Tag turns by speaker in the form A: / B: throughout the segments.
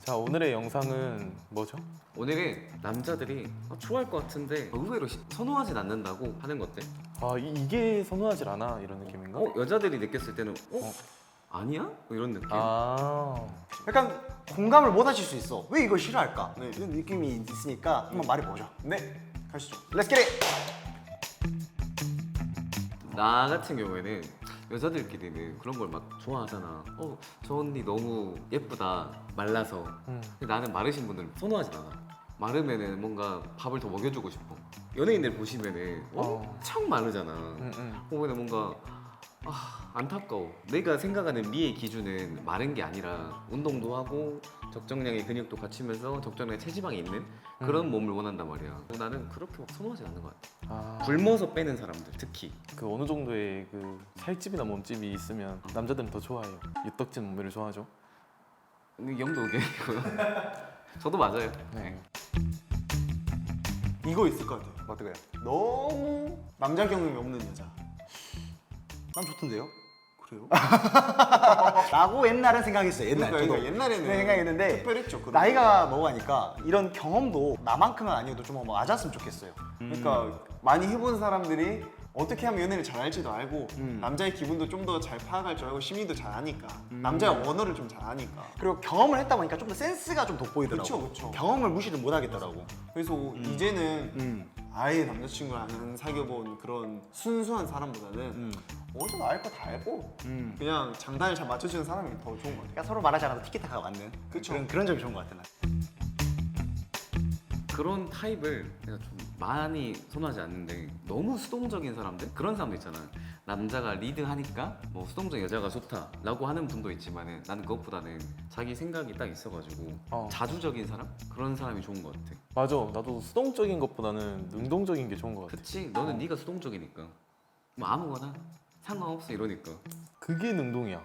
A: 자, 오늘의 영상은 뭐죠?
B: 오늘은 남자들이 좋아할 것 같은데 의외로 선호하진 않는다고 하는 것들.
A: 아, 이게 선호하질 않아 이런 느낌인가?
B: 여자들이 느꼈을 때는 아니야? 뭐 이런 느낌.
A: 아,
C: 약간 공감을 못 하실 수 있어. 왜 이걸 싫어할까? 이런 느낌이 있으니까 한번 말해보죠.
D: 네, 가시죠.
C: Let's get it!
B: 나 같은 경우에는 여자들끼리는 그런 걸 막 좋아하잖아. 저 언니 너무 예쁘다. 말라서. 근데 나는 마르신 분들은 선호하진 않아. 마르면은 뭔가 밥을 더 먹여주고 싶어. 연예인들 보시면은 엄청 마르잖아. 보면은 뭔가 안타까워. 내가 생각하는 미의 기준은 마른 게 아니라 운동도 하고 적정량의 근육도 갖추면서 적정량의 체지방이 있는 그런 몸을 원한단 말이야. 나는 그렇게 막 선호하진 않는 것 같아. 굶어서 빼는 사람들 특히.
A: 그 어느 정도의 그 살집이나 몸집이 있으면 남자들은 더 좋아해요. 유떡진 몸매를 좋아하죠.
B: 이 정도 의견이고요. 저도 맞아요.
A: 네.
D: 이거 있을 것 같아요.
C: 어떡해요?
D: 너무 남자 경험이 없는 여자.
C: 난 좋던데요?
D: 그래요?
C: 라고 옛날엔 생각했어요. 옛날
D: 그러니까
C: 저도.
D: 옛날에는
C: 네, 생각했는데
D: 특별했죠. 그런
C: 나이가 먹으니까 이런 경험도 나만큼은 아니어도 좀 맞았으면 좋겠어요.
D: 그러니까 많이 해본 사람들이 어떻게 하면 연애를 잘 할지도 알고 남자의 기분도 좀 더 잘 파악할 줄 알고 심리도 잘 아니까 남자의 언어를 좀 잘 아니까.
C: 그리고 경험을 했다 보니까 좀 더 센스가 좀 돋보이더라고.
D: 그쵸.
C: 경험을 무시를 못 하겠더라고.
D: 그래서 이제는 아예 남자친구를 안 사귀어본 그런 순수한 사람보다는 어디서 나 알 거 다 알고 그냥 장단을 잘 맞춰주는 사람이 더 좋은 것 같아요.
C: 그러니까 서로 말하지 않아도 티키타카가 맞는
D: 그쵸.
C: 그런 점이 좋은 것 같아. 난.
B: 그런 타입을 내가 좀 많이 선호하지 않는데 너무 수동적인 사람들? 그런 사람도 있잖아. 남자가 리드하니까 뭐 수동적인 여자가 좋다라고 하는 분도 있지만은 나는 그것보다는 자기 생각이 딱 있어가지고 자주적인 사람? 그런 사람이 좋은 것 같아.
A: 맞아. 나도 수동적인 것보다는 능동적인 게 좋은 것 같아.
B: 그치? 너는 네가 수동적이니까 뭐 아무거나 상관없어 이러니까.
A: 그게 능동이야.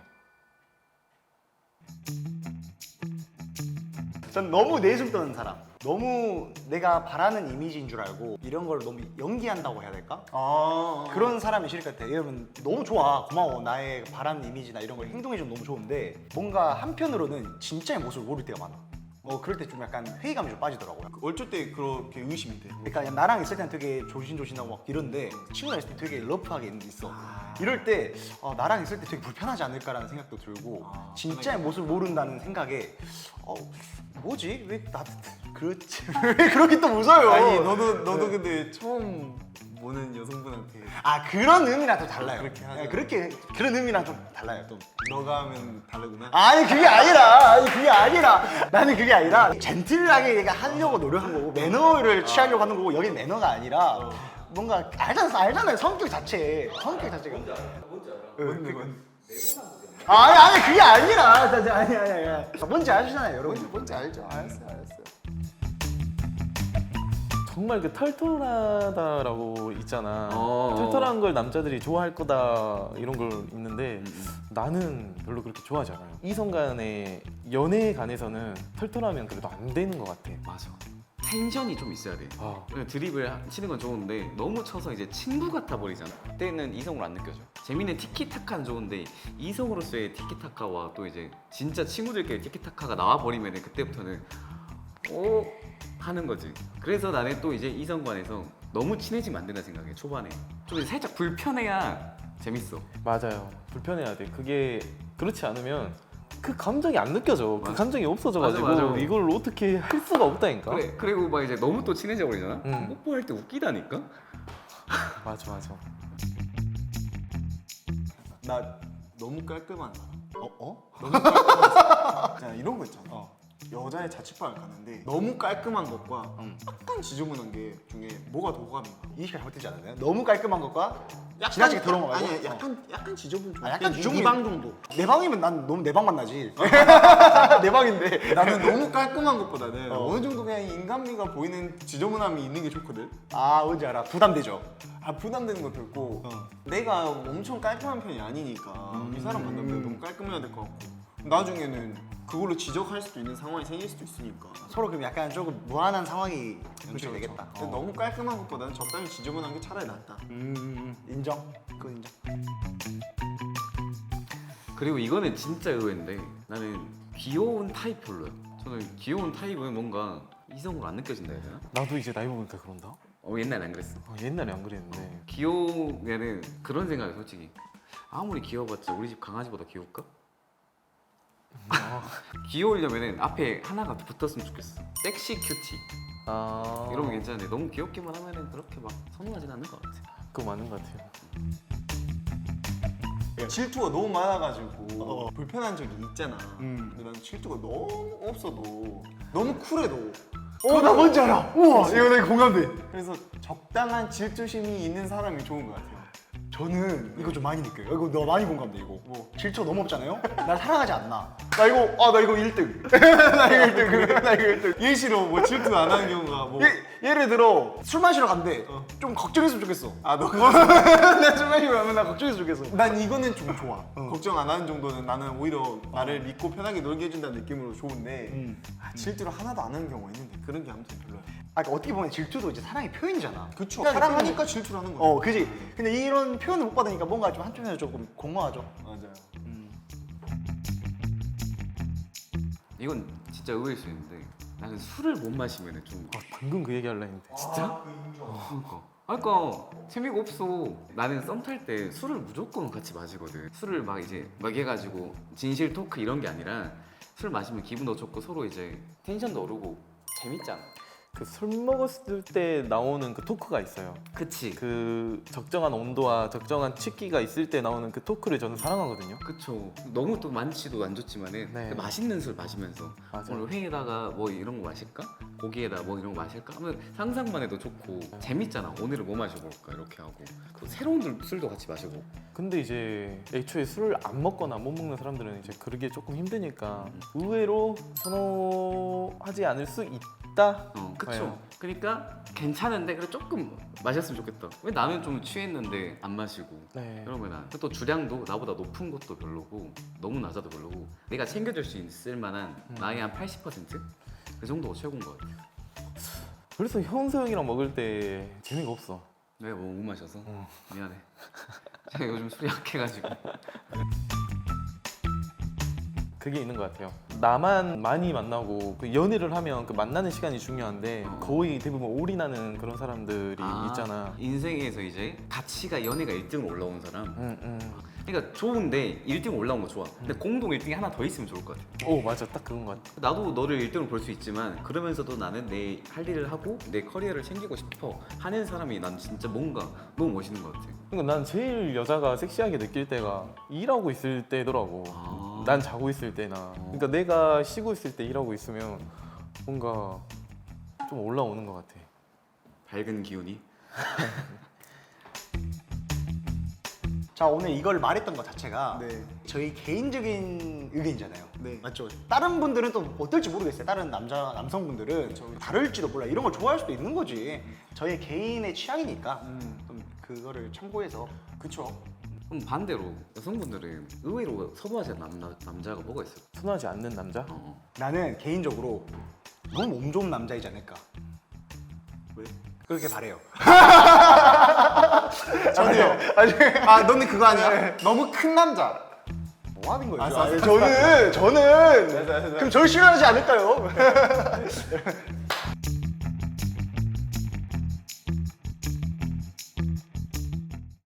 C: 전 너무 내숭 떠는 사람. 너무 내가 바라는 이미지인 줄 알고 이런 걸 너무 연기한다고 해야 될까? 그런 사람이 싫을 것 같아. 이러면 너무 좋아, 고마워, 나의 바라는 이미지나 이런 걸 행동해주면 너무 좋은데 뭔가 한편으로는 진짜의 모습을 모를 때가 많아. 그럴 때 좀 약간 회의감이 좀 빠지더라고요.
D: 어쩔 때 그렇게 의심이 돼.
C: 그러니까 나랑 있을 때는 되게 조신조신하고 막 이런데 친구랑 있을 때 되게 러프하게 있어. 이럴 때 나랑 있을 때 되게 불편하지 않을까라는 생각도 들고 진짜의 모습을 모른다는 생각에 뭐지? 왜 나도 그렇지? 왜 그렇게 또 웃어요?
D: 아니 너도 근데 처음 보는 여성분한테
C: 그런 의미랑 또 달라요.
D: 그렇게 하죠.
C: 네, 그런 의미랑 좀 달라요. 또.
D: 너가 하면 다르구나.
C: 아니 그게 아니라 나는 그게 아니라 젠틀하게 얘가 하려고 노력한 거고 매너를 취하려고 하는 거고 여긴 매너가 아니라 뭔가 알잖아요 성격 자체가
D: 뭔데?
C: 아니 그게 아니라 아니 뭔지 아시잖아요 여러분.
D: 뭔지 알죠? 알았어요.
A: 정말 그 털털하다라고 있잖아. 털털한 걸 남자들이 좋아할 거다 이런 걸 있는데 나는 별로 그렇게 좋아하지 않아요. 이성 간의 연애에 관해서는 털털하면 그래도 안 되는 것 같아.
B: 맞아. 텐션이 좀 있어야 돼. 드립을 치는 건 좋은데 너무 쳐서 이제 친구 같아 버리잖아. 그때는 이성으로 안 느껴져. 재밌는 티키타카는 좋은데 이성으로서의 티키타카와 또 이제 진짜 친구들끼리 티키타카가 나와 버리면 그때부터는 하는 거지. 그래서 나는 또 이제 이성관에서 너무 친해지면 안 된다 생각해. 초반에 좀 살짝 불편해야 재밌어.
A: 맞아요. 불편해야 돼. 그게 그렇지 않으면 그 감정이 안 느껴져. 그 감정이 없어져가지고
B: 맞아.
A: 이걸 어떻게 할 수가 없다니까.
B: 그래. 그리고 막 이제 너무 또 친해져 버리잖아. 뽀뽀할 때 웃기다니까.
A: 맞아.
D: 나 너무 깔끔한 사람. 너무 깔끔한 사람. 자, 이런 거 있잖아. 여자의 자취방을 가는데 너무 깔끔한 것과 약간 지저분한 게 중에 뭐가 더 호감인가?
C: 이해가 잘못되지 않았나요? 너무 깔끔한 것과 지나치게 더러운 거 말고?
D: 아니 약간 지저분 좀.
C: 약간
D: 이
C: 중립.
D: 방 정도.
C: 내 방이면 난 너무 내 방만 나지. 내 방인데.
D: 나는 너무 깔끔한 것보다는 어느 정도 그냥 인간미가 보이는 지저분함이 있는 게 좋거든.
C: 뭔지 알아. 부담되죠.
D: 부담되는 것도 있고 내가 엄청 깔끔한 편이 아니니까 이 사람 만나면 너무 깔끔해야 될 것 같고 나중에는 그걸로 지적할 수도 있는 상황이 생길 수도 있으니까.
C: 서로 그럼 약간 조금 무한한 상황이 연출이 되겠다.
D: 근데 너무 깔끔한 것보다는 적당히 지저분한 게 차라리 낫다.
C: 인정. 그건 인정.
B: 그리고 이거는 진짜 의외인데 나는 귀여운 타입 별로야. 저는 귀여운 타입은 뭔가 이성으로 안 느껴진다 해야 되나?
A: 나도 이제 나이 먹으니까 그런다.
B: 옛날에 안 그랬어.
A: 옛날에 안 그랬는데.
B: 귀여우면은 그런 생각이 솔직히 아무리 귀여워봤자 우리 집 강아지보다 귀여울까? 귀여우려면은 앞에 하나가 붙었으면 좋겠어. 섹시 큐티 이러면 괜찮은데 너무 귀엽기만 하면은 그렇게 막 선호하진 않는 것 같아.
A: 그거 맞는 것 같아요.
D: 질투가 너무 많아가지고 불편한 적이 있잖아. 근데 난 질투가 너무 없어도 너무 쿨해도
C: 나 뭔지 알아. 우와, 이거 내가 공감돼.
D: 그래서 적당한 질투심이 있는 사람이 좋은 것 같아요.
C: 저는 이거 좀 많이 느껴요. 이거 너 많이 공감돼 이거.
D: 뭐?
C: 질투가 너무 없잖아요. 날 사랑하지 않나. 나 이거 1등. 나 이거 1등. 나 이거 1등.
D: 예시로 뭐 질투 안 하는 경우가 뭐
C: 예를 들어 술 마시러 간대. 좀 걱정했으면 좋겠어.
D: 너
C: 나술 마시러 가면 나 걱정했으면 좋겠어.
D: 난 이거는 좀 좋아. 걱정 안 하는 정도는 나는 오히려 나를 믿고 편하게 놀게 해준다는 느낌으로 좋은데 질투를 하나도 안 하는 경우가 있는데 그런 게 아무튼 별로야.
C: 그러니까 어떻게 보면 질투도 이제 사랑의 표현이잖아.
D: 그쵸.
C: 사랑의
D: 사랑하니까 질투를 하는 거야.
C: 그지. 근데 이런 표현을 못 받으니까 뭔가 좀 한쪽에서 조금 공허하죠.
D: 맞아요.
B: 이건 진짜 의외일 수 있는데 나는 술을 못 마시면은 좀
A: 방금 그 얘기 하려 했는데.
B: 진짜? 그러니까 재미가 없어. 나는 썸 탈 때 술을 무조건 같이 마시거든. 술을 막 이제 막 해가지고 진실 토크 이런 게 아니라 술 마시면 기분도 좋고 서로 이제 텐션도 오르고 재밌잖아.
A: 그 술 먹었을 때 나오는 그 토크가 있어요.
B: 그치.
A: 그 적정한 온도와 적정한 취기가 있을 때 나오는 그 토크를 저는 사랑하거든요.
B: 그쵸. 너무 또 많지도 안 좋지만은
A: 네.
B: 그 맛있는 술 마시면서
A: 맞아요.
B: 오늘 회에다가 뭐 이런 거 마실까? 고기에다 뭐 이런 거 마실까? 하면 상상만 해도 좋고 재밌잖아. 오늘은 뭐 마셔볼까? 이렇게 하고 그 새로운 술도 같이 마시고.
A: 근데 이제 애초에 술을 안 먹거나 못 먹는 사람들은 이제 그러기에 조금 힘드니까 의외로 선호하지 않을 수 있다.
B: 그쵸.
A: 봐요.
B: 그러니까 괜찮은데 그래 조금 마셨으면 좋겠다. 왜 나는 좀 취했는데 안 마시고.
A: 네.
B: 그러면 또 주량도 나보다 높은 것도 별로고 너무 낮아도 별로고 내가 챙겨줄 수 있을 만한 나의 한 80%? 그 정도가 최고인 것 같아.
A: 그래서 현서 형이랑 먹을 때 재미가 없어.
B: 내가 뭐 못 마셔서 미안해. 제가 요즘 술이 약해가지고.
A: 그게 있는 것 같아요. 나만 많이 만나고 그 연애를 하면 그 만나는 시간이 중요한데 거의 대부분 올인하는 그런 사람들이 있잖아.
B: 인생에서 이제 가치가 연애가 1등으로 올라온 사람. 그러니까 좋은데 1등 올라온 거 좋아. 근데 공동 1등이 하나 더 있으면 좋을 것 같아.
A: 오 맞아, 딱 그건 것 같아.
B: 나도 너를 1등으로 볼 수 있지만 그러면서도 나는 내 할 일을 하고 내 커리어를 챙기고 싶어 하는 사람이 난 진짜 뭔가 너무 멋있는 것 같아.
A: 그러니까 난 제일 여자가 섹시하게 느낄 때가 일하고 있을 때더라고. 난 자고 있을 때나. 그러니까 내가 쉬고 있을 때 일하고 있으면 뭔가 좀 올라오는 것 같아.
B: 밝은 기운이.
C: 자, 오늘 이걸 말했던 것 자체가
D: 네.
C: 저희 개인적인 의견이잖아요.
D: 네.
C: 맞죠? 다른 분들은 또 어떨지 모르겠어요. 다른 남성분들은 다를지도 몰라. 이런 걸 좋아할 수도 있는 거지. 저희 개인의 취향이니까 좀 그거를 참고해서.
D: 그쵸.
B: 그럼 반대로 여성분들은 의외로 선호하지 않는 남자가 뭐가 있어요?
A: 선호하지 않는 남자?
C: 나는 개인적으로 너무 몸 좋은 남자이지 않을까.
D: 왜?
C: 그렇게 바래요.
D: 저도요. 너는 그거 아니야? 너무 큰 남자.
C: 뭐 하는 거예요?
D: 알았어, 알았어.
C: 저는 그럼 저를 싫어하지 않을까요?